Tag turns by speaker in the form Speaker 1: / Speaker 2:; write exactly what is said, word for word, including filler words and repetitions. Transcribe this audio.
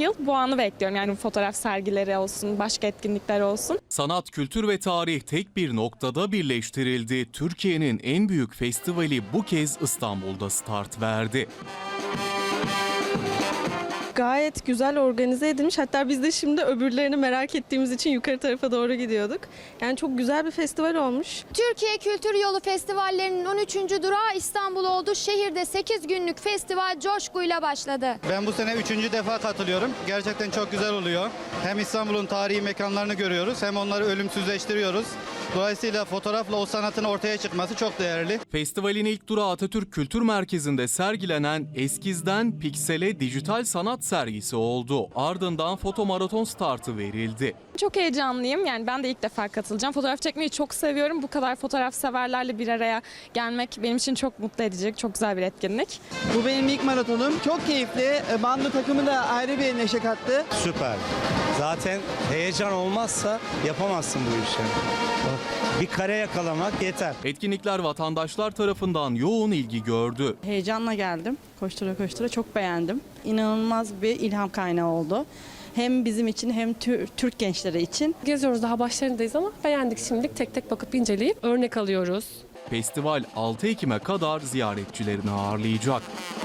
Speaker 1: yıl bu anı bekliyorum. Yani fotoğraf sergileri olsun, başka etkinlikler olsun.
Speaker 2: Sanat, kültür ve tarih tek bir noktada birleştirildi. Türkiye'nin en büyük festivali bu kez İstanbul'da start verdi.
Speaker 3: Gayet güzel organize edilmiş. Hatta biz de şimdi öbürlerini merak ettiğimiz için yukarı tarafa doğru gidiyorduk. Yani çok güzel bir festival olmuş.
Speaker 4: Türkiye Kültür Yolu Festivallerinin on üçüncü durağı İstanbul oldu. Şehirde sekiz günlük festival coşkuyla başladı.
Speaker 5: Ben bu sene üçüncü defa katılıyorum. Gerçekten çok güzel oluyor. Hem İstanbul'un tarihi mekanlarını görüyoruz hem onları ölümsüzleştiriyoruz. Dolayısıyla fotoğrafla o sanatın ortaya çıkması çok değerli.
Speaker 2: Festivalin ilk durağı Atatürk Kültür Merkezi'nde sergilenen Eskizden Piksele dijital sanat sergisi oldu. Ardından foto maraton startı verildi.
Speaker 1: Çok heyecanlıyım. Yani ben de ilk defa katılacağım. Fotoğraf çekmeyi çok seviyorum. Bu kadar fotoğraf severlerle bir araya gelmek benim için çok mutlu edecek, çok güzel bir etkinlik.
Speaker 6: Bu benim ilk maratonum. Çok keyifli. Bando takımı da ayrı bir neşe kattı.
Speaker 7: Süper. Zaten heyecan olmazsa yapamazsın bu işi. Bir kare yakalamak yeter.
Speaker 2: Etkinlikler vatandaşlar tarafından yoğun ilgi gördü.
Speaker 8: Heyecanla geldim. Koştura koştura çok beğendim. İnanılmaz bir ilham kaynağı oldu. Hem bizim için hem Türk gençleri için.
Speaker 9: Geziyoruz, daha başlarındayız ama beğendik şimdilik. Tek tek bakıp inceleyip örnek alıyoruz.
Speaker 2: Festival altı Ekim'e kadar ziyaretçilerini ağırlayacak.